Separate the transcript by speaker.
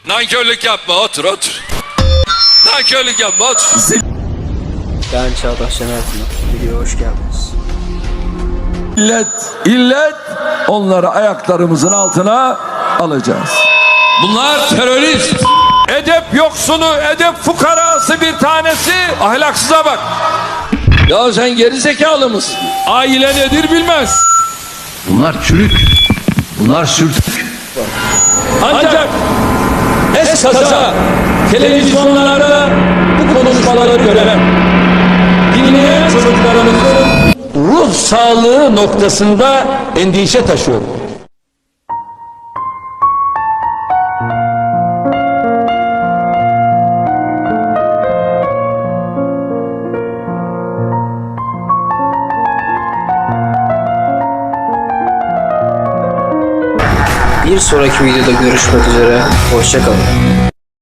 Speaker 1: Nankörlük yapma, otur otur. Nankörlük yapma, otur.
Speaker 2: Ben Çağdaş Şener Pınar. Videoya hoş geldiniz.
Speaker 3: İllet onları ayaklarımızın altına alacağız.
Speaker 1: Bunlar terörist.
Speaker 3: Edep yoksunu, edep fukarası bir tanesi ahlaksıza bak.
Speaker 1: Ya sen geri zekalı mısın?
Speaker 3: Aile nedir bilmez.
Speaker 4: Bunlar çürük. Bunlar sürtük.
Speaker 3: Ancak eskaza televizyonlarda bu konuşmaları gören, dinleyen çocuklarımızın ruh sağlığı noktasında endişe taşıyor.
Speaker 2: Bir sonraki videoda görüşmek üzere. Hoşça kalın.